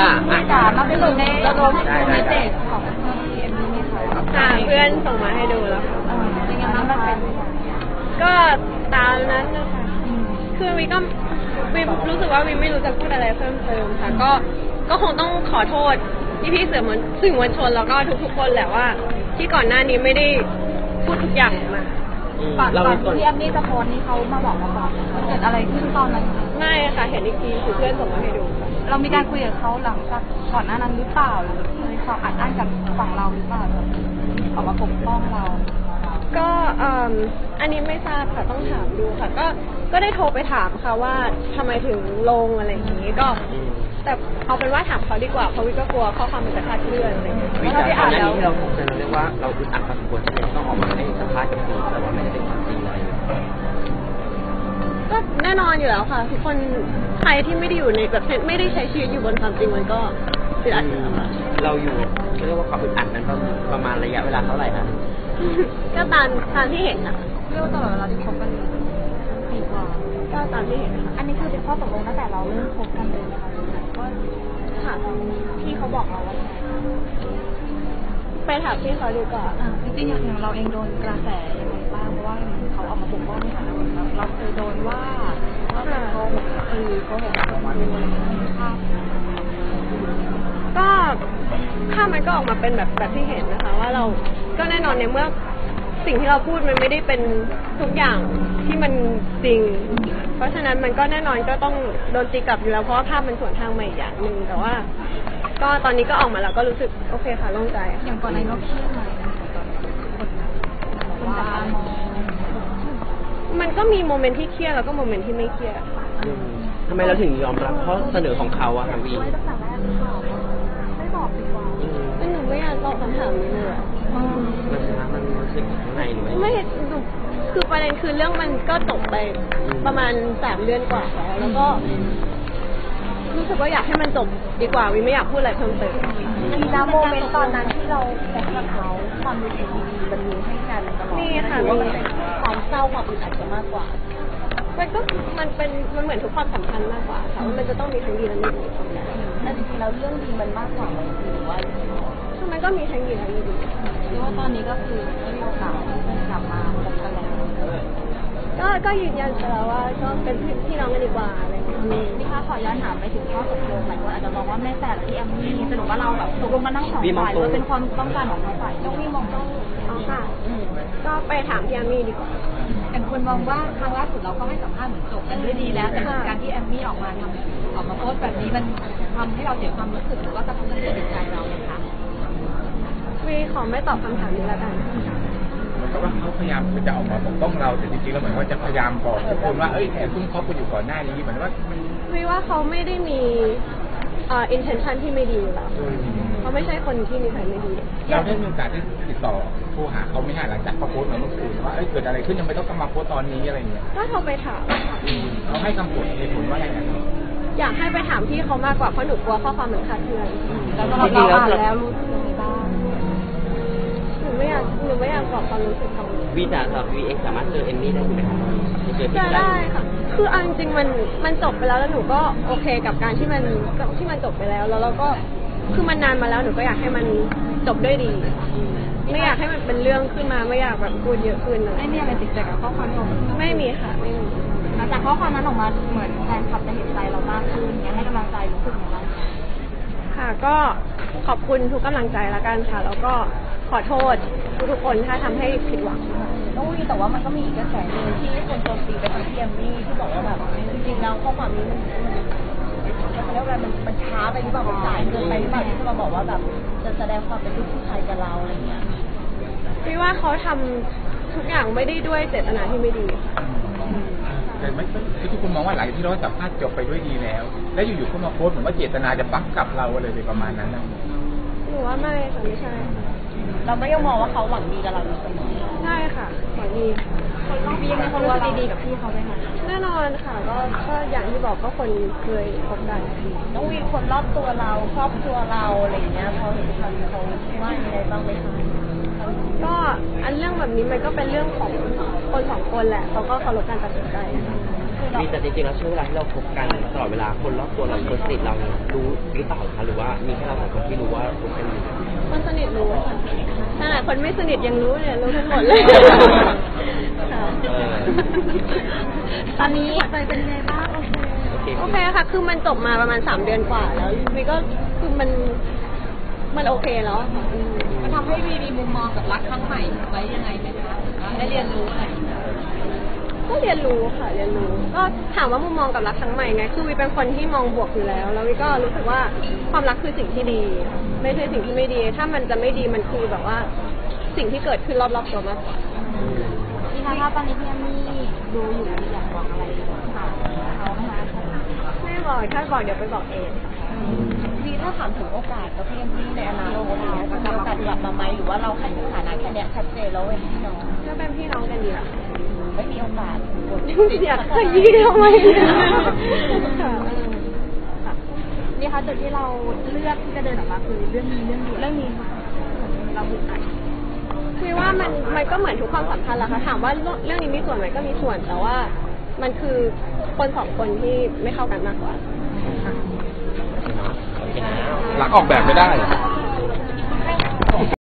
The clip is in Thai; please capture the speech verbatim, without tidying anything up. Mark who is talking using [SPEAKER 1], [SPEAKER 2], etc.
[SPEAKER 1] ค่ะ
[SPEAKER 2] จ๋ามาเป็นหนึ่งในระดมในเด็กของพีเอ็มนี่ไหมคะ
[SPEAKER 3] ค่ะเพื่อนส่งมาให้ดูแล้วค่ะ
[SPEAKER 2] เป็นยังไงบ้างคะ
[SPEAKER 3] ก็ตามนั้นนะคะคือวิก็วิรู้สึกว่าวิไม่รู้จะพูดอะไรเพิ่มเติมค่ะก็ก็คงต้องขอโทษพี่พี่สื่อมวลสื่อมวลชนแล้วก็ทุกๆคนแหละว่าที่ก่อนหน้านี้ไม่ได้พูดทุกอย่างมา
[SPEAKER 2] ก่อนก่อนที่แอมนี่จะโพสนี่เขามาบอกมาก่อนเกิดอะไรขึ้นตอนนั้น
[SPEAKER 3] ไม่ค่ะเห็นอีกทีคือเพื่อนส่งมาให้ดูค่ะ
[SPEAKER 2] เรามีการคุยกับเขาหลังจากก่อนหน้านั้นหรือเปล่าหรือเคยเขาอัดอั้นกับฝั่งเราหรือเปล่าออกมาปกป้องเรา
[SPEAKER 3] ก็อันนี้ไม่ทราบค่ะต้องถามดูค่ะก็ก็ได้โทรไปถามค่ะว่าทำไมถึงลงอะไรอย่างนี้ก็แต่เอาเป็นว่าถามเขาดีกว่าเพราะวิก็กลัวข้อความมันจะคลาดเคลื่อนอะไรอย่างเงี้ย
[SPEAKER 1] วิจารณ์ตอนนี้ที่เราคงจะเรียกว่าเราอึดอัดพอสมควรที่จะต้องออกมาให้สัมภาษณ์กับสื่อแต่ว่าไม่ได้เป็นความจริงอะไร
[SPEAKER 3] ก็แน่นอนอยู่แล้วค่ะทุกคนใครที่ไม่ได้อยู่ในแบบไม่ได้ใช้ชีวิตอยู่บนความจริงมันก็อึดอัดอยู่แล้วค่ะ
[SPEAKER 1] เราอยู่เรียกว่าความอึดอัดนั้นประมาณระยะเวลาเท่าไหร่คะ
[SPEAKER 3] ก็ตามตามที่เห็นนะ
[SPEAKER 2] เรียกว่าตลอดเวลาที่คบกันปีกว่า
[SPEAKER 3] ก็ตามที่เห็น
[SPEAKER 2] อันนี้คือเป็นข้อตกลงตั้งแต่เราเริ่มคบกันเลยค่ะก็ถามพี่เขาบอกเราว่า
[SPEAKER 3] ไปถามพี่เขาดีกว่า
[SPEAKER 2] จริงๆอย่างเราเองโดนกระแสยังไงบ้างเพราะว่าเขาออกมาปกป้องในฐานะแบบเราเคยโดนว่าว่าเขาเออเขาเห็นเรามาดูอะไรภาพ
[SPEAKER 3] ก็ภาพมันก็ออกมาเป็นแบบแบบที่เห็นนะคะว่าเราก็แน่นอนในเมื่อสิ่งที่เราพูดมันไม่ได้เป็นทุกอย่างที่มันจริงเพราะฉะนั้นมันก็แน่นอนก็ต้องโดนตีกลับอยู่แล้วเพราะว่าภาพมันสวนทางมาอีกอย่างหนึ่งแต่ว่าก็ตอนนี้ก็ออกมาแล้วก็รู้สึกโอเคค่ะโล่งใจ
[SPEAKER 2] อย่างก่อนในโลกเครียดไหมคนจับตามอง
[SPEAKER 3] มันก็มีโมเมนต์ที่เครียดแล้วก็โมเมนต์ที่ไม่เครียด
[SPEAKER 1] ทำไมเราถึงยอมรับข้อเสนอของเขาอะคะวี
[SPEAKER 2] ไม่บอกดีกว่า
[SPEAKER 3] หนูไม่อยากตอบคำถามนี้เลย
[SPEAKER 1] มันมันรู้สึกข้างในหรือ
[SPEAKER 3] ไม่ไม่หนูคือประเด็นคือเรื่องมันก็จบไปประมาณสามเดือนกว่าแล้วแล้วก็รู้สึกว่าอยากให้มันจบดีกว่าวิไม่อยากพูดอะไรเพิ่มเติม
[SPEAKER 2] มีนะโมเมนต์ตอนนั้นที่เราแอบกับเขาความรู้สึกดีๆมันมีให้กันตลอด
[SPEAKER 3] นี่ค่ะ
[SPEAKER 2] มีความเศร้าความอึดอัดจะมากกว่า
[SPEAKER 3] มันก็มันเป็นมันเหมือนทุกความสัมพันธ์มากกว่าค่ะมันจะต้องมีทั้งดีและไม่ดี
[SPEAKER 2] แต่จริงๆแล้วเรื่องดีมันมากกว่าหรือว่า
[SPEAKER 3] มันก็มีทั้งดีและไม่ดี
[SPEAKER 2] หรือว่าตอนนี้ก็คือไม่มีโอกาสกลับมาพบกันแล้ว
[SPEAKER 3] ก็ก็ยืนยันไปแล้วว่าก็เป็นพี่น้องกันดีกว่าอะไรอย่างเงี้ย
[SPEAKER 2] พี่คะขอย้อนถามไปถึงข้อตกลงหลายคนอาจจะมองว่าแม่แต่ที่แอมมี่สรุปว่าเราแบบตกลงมานั่งสองฝ่ายว่าเป็นความต้องการของเขาฝ่ายต้องพี่มองต้อง
[SPEAKER 3] อ๋อค่ะก็ไปถามพี่แอมมี่ดีกว่า
[SPEAKER 2] แต่คนมองว่าครั้งล่าสุดเราก็ให้สัมภาษณ์เหมือนจบกันด้วยดีแล้วแต่การที่แอมมี่ออกมาทำออกมาโพสแบบนี้มันทำให้เราเสียความรู้สึกหรือว่ากระทบกระเทือนจิตใจเราไหมคะ
[SPEAKER 3] วีขอไม่ตอบคำถามนี้แล้วกัน
[SPEAKER 4] เพราะว่าเขาพยายามจะออกมาปกป้องเราแต่จริงๆแล้วเหมือนว่าจะพยายามบอกทุกคนว่าเอ้ยแอบซุ่มคบกันอยู่ก่อนหน้านี้เหมือนว่า
[SPEAKER 3] วีว่าเขาไม่ได้มีอ่า intention ที่ไม่ดีอยู่แล้วเขาไม่ใช่คนที่มีใครไม่ดี
[SPEAKER 4] เราได้มีโอกาสที่ติดต่อโทรหาเขาไม่ห่างหลังจากเขาโพสต์มาเมื่อคืนว่าเอ้ยเกิดอะไรขึ้นยังไม่ต้องมาโพสต์ตอนนี้อะไรเงี้ย
[SPEAKER 3] ก็โทรไปถาม
[SPEAKER 4] เขาให้คำพูดเหตุผลว่าอย่างไร
[SPEAKER 3] อยากให้ไปถามพี่เขามากกว่าเพราะหนูกลัวข้อความเหมือนคาดเคลื่อน
[SPEAKER 2] แล้วก็เราอ่านแล้วรู้สึกยังไงบ้าง
[SPEAKER 3] หนูไม่อยากหนูไม่อยากบอกความรู้สึกของ
[SPEAKER 1] วีจ๋าสำหรับวีเอ็กสามารถเจอเอมมี่ได้ไหมคะ
[SPEAKER 3] เจอได้ค่ะคืออันจริงมันมันจบไปแล้วแล้วหนูก็โอเคกับการที่มันที่มันจบไปแล้วแล้วเราก็คือมันนานมาแล้วหนูก็อยากให้มันจบด้วยดีไม่อยากให้มันเป็นเรื่องขึ้นมาไม่อยากแบบพูดเยอะขึ้น
[SPEAKER 2] ไม่มีอะไรติดใจกับข้อความนั้น
[SPEAKER 3] ไม่มีค่ะไม่มี
[SPEAKER 2] แต่ข้อความนั้นออกมาเหมือนแฟนคลับจะเห็นใจเรามากขึ้นอยากให้กำลังใจรู้สึกอย่างไร
[SPEAKER 3] ค่ะก็ขอบคุณทุกกำลังใจละกันค่ะแล้วก็ขอโทษทุกคนถ้าทำให้ผิดหวัง
[SPEAKER 2] ต้องมีแต่ว่ามันก็มีอีกกระแสหนึ่งที่คนโจมตีไปทางพี่แอมมี่ที่บอกว่าแบบจริงๆแล้วข้อความนี้มันมันเรียกว่ามันมันช้าไปหรือเปล่ามันสายเกินไปหรือเปล่าที่จะมาบอกว่าแบบจะแสดงความเป็นลูกผู้ชายกับเราอะไรเงี้ย
[SPEAKER 3] พี่ว่าเขาทำทุกอย่างไม่ได้ด้วยเจตนาที่ไม่ดี
[SPEAKER 4] แต่ไม่ทุกคนมองว่าหลังที่เราสัมภาษณ์จบไปด้วยดีแล้วแล้วอยู่ๆเขามาโพสต์เหมือนว่าเจตนาจะปักกับเราอะไรประมาณนั้นนะ
[SPEAKER 3] หนูว่าไม่ค่ะไม่ใช่
[SPEAKER 2] เราไม่ยังมองว่าเขาหวังดีกับเราอยู่เสมอ
[SPEAKER 3] ใช่ค่ะหวังดี
[SPEAKER 2] คนรอบพี่ยังมีคนรู้สึกดีๆกับพี่เขาไหมคะ
[SPEAKER 3] แน่นอนค่ะก็ก็อย่างที่บอกก็คนเคยคบกัน
[SPEAKER 2] ต้องมีคนรอบตัวเราครอบครัวเราอะไรอย่างเงี้ยเขาเห็นเขาเขาว่าอะไรบ้างไหมคะ
[SPEAKER 3] ก็อันเรื่องแบบนี้มันก็เป็นเรื่องของคนสองคนแหละเขาก็เคารพการตัดสินใจ
[SPEAKER 2] คือเรา
[SPEAKER 1] มีแต่จริงๆแล้วช่วงเวลาที่เราคบกันตลอดเวลาคนรอบตัวเราคนสนิทเราเนี่ยรู้หรือเปล่าคะหรือว่ามีแค่เราสองคนที่รู้ว่าคบกันอยู่
[SPEAKER 3] คนสนิทรู้ค่ะขนาดคนไม่สนิทยังรู้เนี่ยรู้ทั้งหมดเลยค่ะ
[SPEAKER 1] เออ
[SPEAKER 2] ตอนนี้ใจเป็นยังไงบ้างโอเค
[SPEAKER 1] โอเค
[SPEAKER 3] โอเคค่ะ คือมันจบมาประมาณสามเดือนกว่าแล้ววีก็คือมันมันโอเคแล้วอะค่ะอืม
[SPEAKER 2] มันทำให้วีมีมุมมองกับรักครั้งใหม่ไว้ยังไงไหมคะได้เรียนรู้อะไร
[SPEAKER 3] ก็เรียนรู้ค่ะเรียนรู้ก็ถามว่ามุมมองกับรักครั้งใหม่ไงคือวีเป็นคนที่มองบวกอยู่แล้ว แล้ววีก็รู้สึกว่าความรักคือสิ่งที่ดี ไม่ใช่สิ่งที่ไม่ดี ถ้ามันจะไม่ดีมันคือแบบว่าสิ่งที่เกิดขึ้นรอบๆตัวมากกว่า
[SPEAKER 2] พี่คะถ้าตอนนี้พี่แอมมี่ดูอยู่อยากบอกอะไรค่ะเขาไหมคะ
[SPEAKER 3] ไม่บอกถ้าบอกเดี๋ยวไปบอกเอง
[SPEAKER 2] วีถ้าถามถึงโอกาสกับพี่แอมมี่ในอนาคตเนี้ยจะมีโอกาสกลับมาไหมหรือว่าเราแค่สถานะแค่เนี้ยชัดเจนแล้วเป็นพี่น้อง
[SPEAKER 3] ก็เป็นพี่น้องกันดีละ
[SPEAKER 2] ไม่มีโอกาส
[SPEAKER 3] อยากขยี้ทำไมเนี่ยค่ะ
[SPEAKER 2] นี่คะจุดที่เราเลือกที่จะเดินออกมาคือเรื่องนี้เรื่องเดียวเรื่องนี้เราบุกไป
[SPEAKER 3] คือว่ามันมันก็เหมือนทุกความสัมพันธ์แหละค่ะถามว่าเรื่องนี้มีส่วนไหมก็มีส่วนแต่ว่ามันคือคนสองคนที่ไม่เข้ากันมากกว่า
[SPEAKER 4] หลังออกแบบไม่ได้